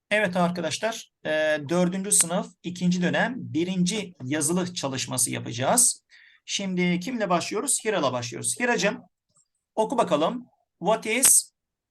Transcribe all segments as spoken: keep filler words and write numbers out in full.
Evet arkadaşlar, e, dördüncü sınıf ikinci dönem birinci yazılı çalışması yapacağız. Şimdi kimle başlıyoruz? Hira'la başlıyoruz. Hira'cığım oku bakalım. What is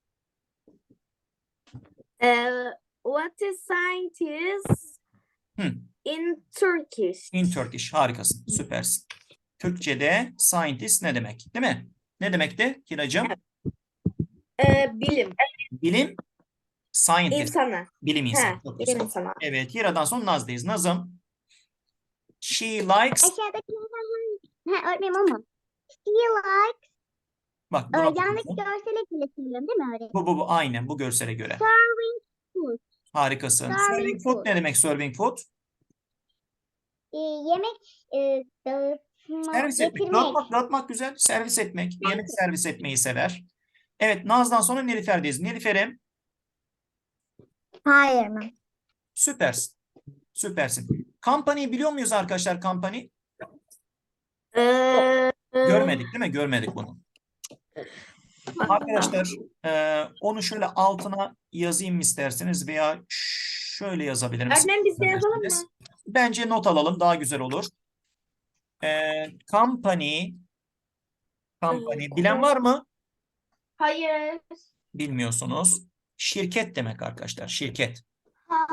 Uh, what is scientist hmm, in Turkish? in Turkish? Harikasın, süpersin. Türkçe'de scientist ne demek? Değil mi? Ne demekti Hira'cığım? Ee, bilim Bilim, scientist. insanı. Bilim insanı. Ha, Çok bilim güzel. insanı. Evet, Hira'dan sonra Naz'dayız. Nazım, she likes. Aşağıdaki ha, öğretmenim o mu? She like Bak e, buna yanlış bakıyorsun. görsele getiriyorum değil mi öğretmenim? Bu, bu, bu aynen bu görsele göre. Serving food. Harikasın. Serving Serving food food. ne demek serving food? E, yemek e, dağıtma, Servis etmek. getirmek. Dağıtmak, dağıtmak güzel. Servis etmek. Yemek servis etmeyi sever. Evet, Naz'dan sonra Nilüfer'deyiz. Nilüfer'im Hayır mı? süpersin. Süpersin. Company'yi biliyor muyuz arkadaşlar company? Ee, Görmedik değil mi? Görmedik bunu. Arkadaşlar e, onu şöyle altına yazayım mı isterseniz veya şöyle yazabilir misiniz? Öğretmenim biz de yazalım mı? Bence not alalım daha güzel olur. E, company company bilen var mı? Hayır. Bilmiyorsunuz. Şirket demek arkadaşlar. Şirket. Ha.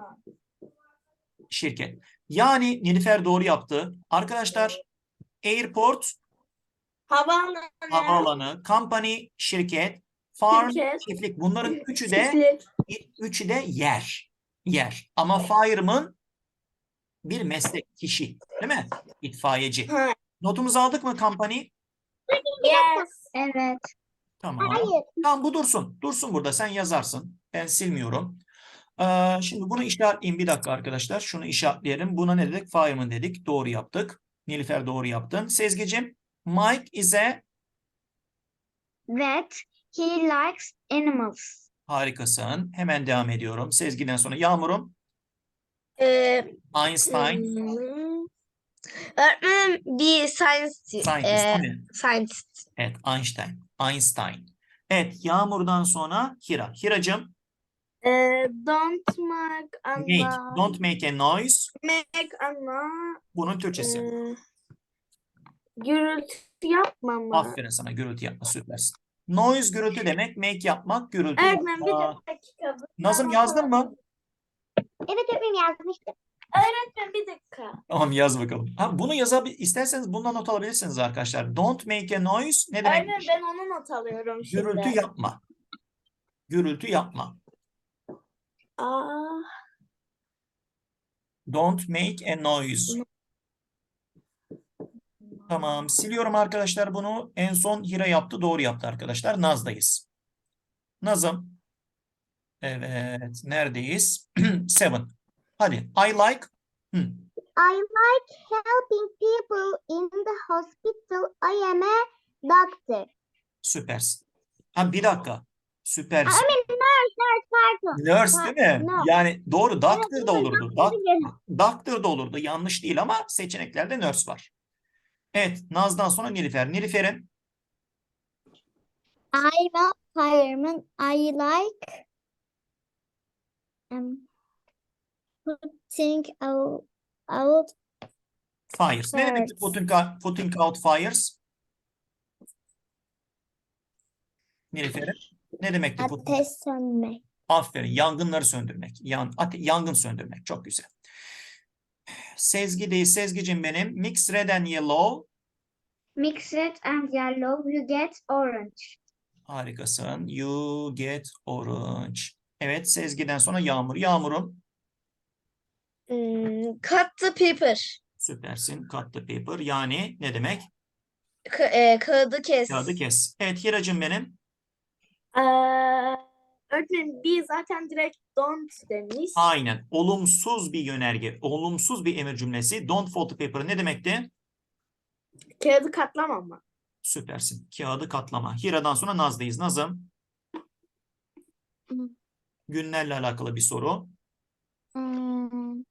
Şirket. Yani Nilüfer doğru yaptı. Arkadaşlar airport Havaalanı. havaalanı, company şirket, farm Şirket. çiftlik. Bunların üçü de Çiftlik. üçü de yer. Yer. Ama fireman bir meslek kişi. Değil mi? İtfaiyeci. Ha. Notumuzu aldık mı company? Yes. Evet. Tamam. Hayır. Tamam bu dursun. Dursun burada. Sen yazarsın. Ben silmiyorum. Ee, şimdi bunu işaretleyeyim. Bir dakika arkadaşlar. Şunu işaretleyelim. Buna ne dedik? Fireman dedik. Doğru yaptık. Nilüfer doğru yaptın. Sezgi'cim, Mike is a That he likes animals. harikasın. Hemen devam ediyorum. Sezgi'den sonra Yağmur'um. Ee, Einstein. hmm. Öğretmenim bir science, Scientist e, değil mi? scientist. Evet, Einstein. Einstein. Evet, Yağmur'dan sonra Hira. Hira'cığım, Ee, don't make a make. noise. Don't make a noise. Make a noise. Bunun Türkçesi. Ee, gürültü yapma mı? Aferin sana. Gürültü yapma. Süpersin. Noise gürültü demek. Make yapmak. Gürültü Öğretmenim bir yapmak. dakika. Nazım yazdın mı? Evet öğretmenim yazmıştım. Öğretmenim bir dakika. Tamam yaz bakalım. Ha, bunu yazabilir. İsterseniz bundan not alabilirsiniz arkadaşlar. Don't make a noise. Ne demek? Öğretmenim ben onu not alıyorum şimdi. Gürültü yapma. Gürültü yapma. Aa, Don't make a noise. Tamam. Siliyorum arkadaşlar bunu. En son Hira yaptı. Doğru yaptı arkadaşlar. Naz'dayız. Nazım. Evet. Neredeyiz? Seven. Hadi. I like. Hı. I like helping people in the hospital. I am a doctor. Süpersin. Ha bir dakika. Süpersin. I mean nurse, nurse, pardon. Nurse değil mi? No. Yani doğru. Doctor Evet, da evet, olurdu. doctor Doc- biliyorum. Doctor da olurdu. Yanlış değil ama seçeneklerde nurse var. Evet. Naz'dan sonra Nilüfer. Nilüfer'in I'm a fireman. I like um, putting out, out fires. Ne demek fires. putting out, putting out fires? Nilüfer'in ne demekti putting? Ateş sönmek. Aferin. Yangınları söndürmek. Yan, ate, yangın söndürmek. Çok güzel. Sezgi değil. Sezgicim benim. Mix red and yellow. Mix red and yellow, you get orange. Harikasın. You get orange. Evet. Sezgiden sonra Yağmur. Yağmur'um. hmm, cut the paper. Süpersin. Cut the paper. Yani ne demek? Ka e, kağıdı kes. Kağıdı kes. Evet. Hiracım benim. Ee, öğretmenim bir zaten direkt don't demiş. Aynen. Olumsuz bir yönerge. Olumsuz bir emir cümlesi. Don't fold the paper ne demekti? Kağıdı katlama mı? Süpersin. Kağıdı katlama. Hira'dan sonra Naz'dayız. Nazım. Hı. Günlerle alakalı bir soru. Hmm.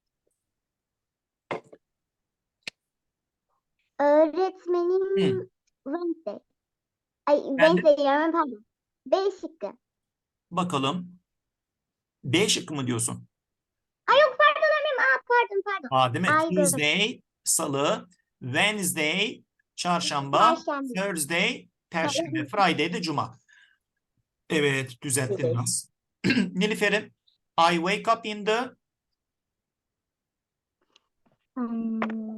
Öğretmenim Hı. Wednesday. Ay Ben de- Wednesday diyorum pardon. B şıkkı. Bakalım. B şıkkı mı diyorsun? Ay yok pardon öğretmenim. Aa, pardon pardon. Aa, değil mi? Aydır. Tuesday, Salı, Wednesday, Çarşamba, Perşembe. Thursday, Perşembe, Friday de Cuma. Evet, düzelttim biraz. Nilüfer'im, I wake up in the... Hmm.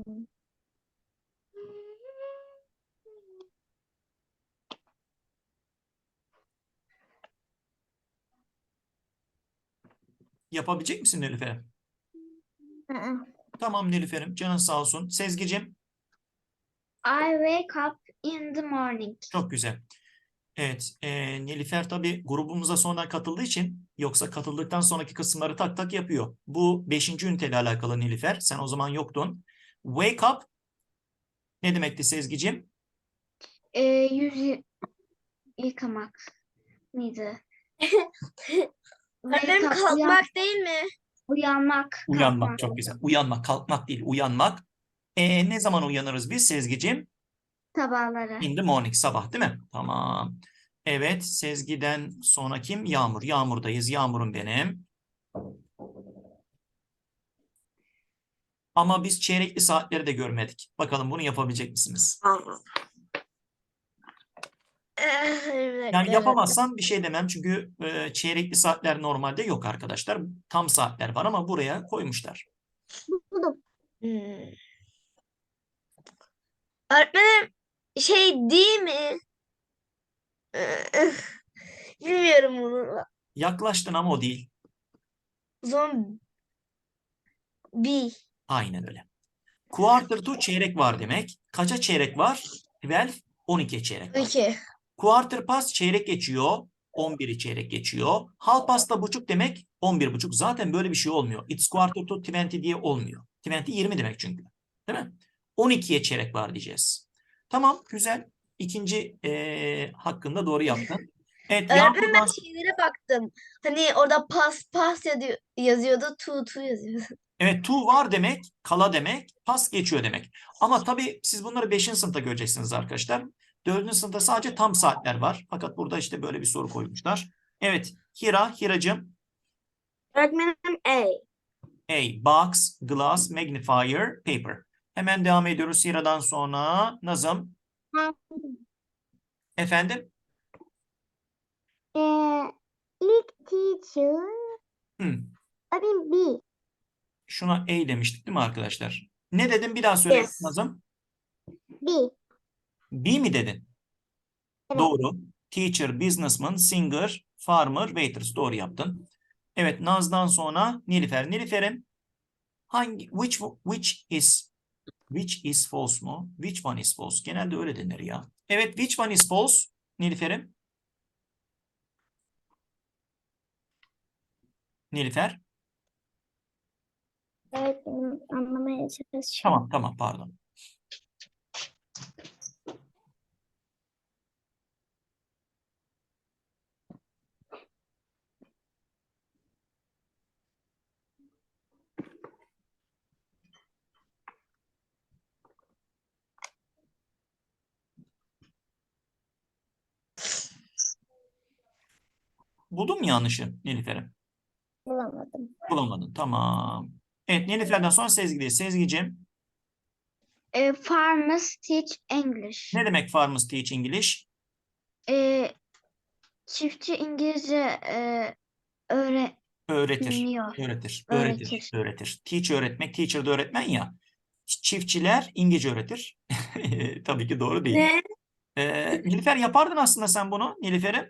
Yapabilecek misin Nilüfer'im? Aa. Tamam Nilüfer'im, canın sağ olsun. Sezgicim, I wake up in the morning. çok güzel. Evet, e, Nilüfer tabii grubumuza sonradan katıldığı için, yoksa katıldıktan sonraki kısımları tak tak yapıyor. Bu beşinci üniteyle alakalı Nilüfer. Sen o zaman yoktun. Wake up ne demekti Sezgicim? Ee, yüz y- yıkamak mıydı? Wake Öğretmenim up, kalkmak uyan- değil mi? Uyanmak, Uyanmak, kalkmak. çok güzel. Uyanmak, kalkmak değil, uyanmak. E, ne zaman uyanırız biz Sezgicim? Sabahları. In the morning, sabah değil mi? Tamam. Evet, Sezgi'den sonra kim? Yağmur. Yağmur'dayız. Yağmur'um benim. Ama biz çeyrekli saatleri de görmedik. Bakalım bunu yapabilecek misiniz? Yani yapamazsam bir şey demem. Çünkü e, çeyrekli saatler normalde yok arkadaşlar. Tam saatler var ama buraya koymuşlar. Buldum. Hmm. Öğretmenim şey değil mi? Bilmiyorum bunu. Yaklaştın ama o değil. Zombi. Aynen öyle. Quarter to çeyrek var demek. Kaça çeyrek var? on iki, on ikiye çeyrek var. İki. Quarter past çeyrek geçiyor. on biri çeyrek geçiyor. Half past da buçuk demek. on bir buçuk. Zaten böyle bir şey olmuyor. It's quarter to yirmi diye olmuyor. yirmi yirmi demek çünkü. Değil mi? on ikiye çeyrek var diyeceğiz. Tamam, güzel. İkinci eee, hakkında doğru yaptın. Evet, Öğretmenim Yağmur'dan... ben şeylere baktım. Hani orada pas pas yazıyor- yazıyordu. Tu tu yazıyordu. Evet, to var demek, kala demek, pas geçiyor demek. Ama tabii siz bunları beşinci sınıfta göreceksiniz arkadaşlar. dördüncü sınıfta sadece tam saatler var. Fakat burada işte böyle bir soru koymuşlar. Evet, Hira, Hiracığım. Öğretmenim A. A, box, glass, magnifier, paper. Hemen devam ediyoruz Hira'dan sonra. Nazım, Ha. efendim? Ee, ilk teacher. Hmm, Öğretmenim B. şuna A demiştik değil mi arkadaşlar? Ne dedim bir daha söyle Yes. Nazım. B. B mi dedin? Evet. Doğru. Teacher, businessman, singer, farmer, waitress. Doğru yaptın. Evet, Naz'dan sonra Nilüfer. Nilüfer'in hangi which which is which is false mu? Which one is false? Genelde öyle denir ya. Evet, which one is false? Nilüfer'im. Nilüfer. Evet, benim anlamaya çalışıyorum. Tamam, tamam, pardon. Buldun mu yanlışı Nilüfer'im? Bulamadım. Bulamadın. Tamam. Evet, Nilüfer'den sonra Sezgi'deyiz. Sezgi'cim. E, farmers teach English. Ne demek farmers teach English? E, çiftçi İngilizce e, öğre Öğretir. bilmiyor. Öğretir. Öğretir. Öğretir. Öğretir. Teach öğretmek. Teacher de öğretmen ya. Çiftçiler İngilizce öğretir. Tabii ki doğru değil. Ne? Ee, Nilüfer yapardın aslında sen bunu. Nilüfer'im.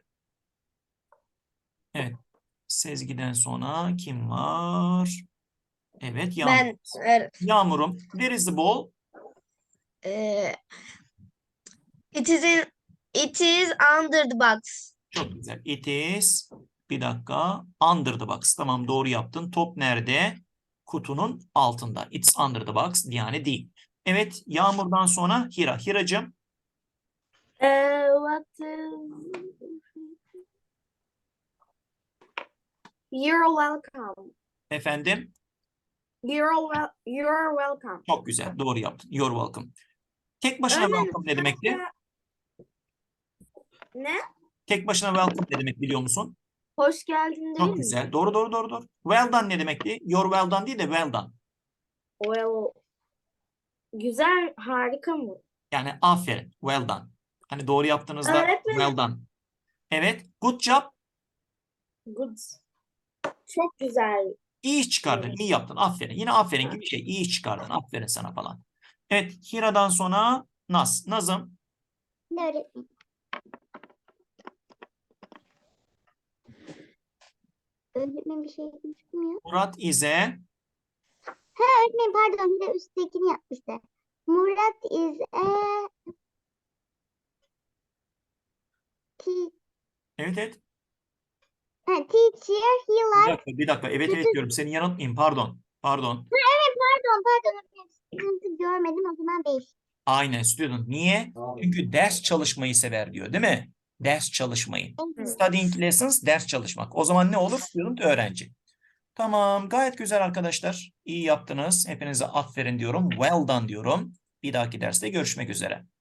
Evet. Sezgi'den sonra kim var? Evet, Yağmur. Ben evet. Yağmur'um. Where is the ball? E, it is in, it is under the box. Çok güzel. It is. Bir dakika. Under the box. Tamam, doğru yaptın. Top nerede? Kutunun altında. It's under the box. Yani değil. Evet. Yağmur'dan sonra Hira. Hiracığım. E, what is... You're welcome. Efendim. You're wel you're welcome. Çok güzel. Doğru yaptın. You're welcome. Tek başına Öğretmenim, welcome ne demekti? Ne? Tek başına welcome ne demek biliyor musun? Hoş geldin değil Çok mi? güzel. Doğru doğru doğru doğru. Well done ne demekti? Your well done değil de well done. Well, güzel, harika mı? Yani aferin. Well done. Hani doğru yaptığınızda Öğretmenim. well done. Evet. Good job. Good. Çok güzel. İyi iş çıkardın. Evet. İyi yaptın. Aferin. Yine aferin gibi bir şey. İyi iş çıkardın. Aferin sana falan. Evet. Hira'dan sonra Naz. Nazım. Öğretmenim. Öğretmenim bir şey çıkmıyor. Murat İze. Ha öğretmenim pardon bir de üsttekini yapmıştı. Murat is a te- Evet evet. ha, teacher. He Bir likes dakika. Bir dakika. Evet evet kötü. diyorum. Seni yanıltmayayım. Pardon. Pardon. Evet pardon pardon. öğretmenim. Sıkıntı görmedim o zaman beş. Aynen student. Niye? Çünkü ders çalışmayı sever diyor, değil mi? Ders çalışmayı. Studying lessons ders çalışmak. O zaman ne olur? Student öğrenci. Tamam, gayet güzel arkadaşlar. İyi yaptınız. Hepinize aferin diyorum. Well done diyorum. Bir dahaki derste görüşmek üzere.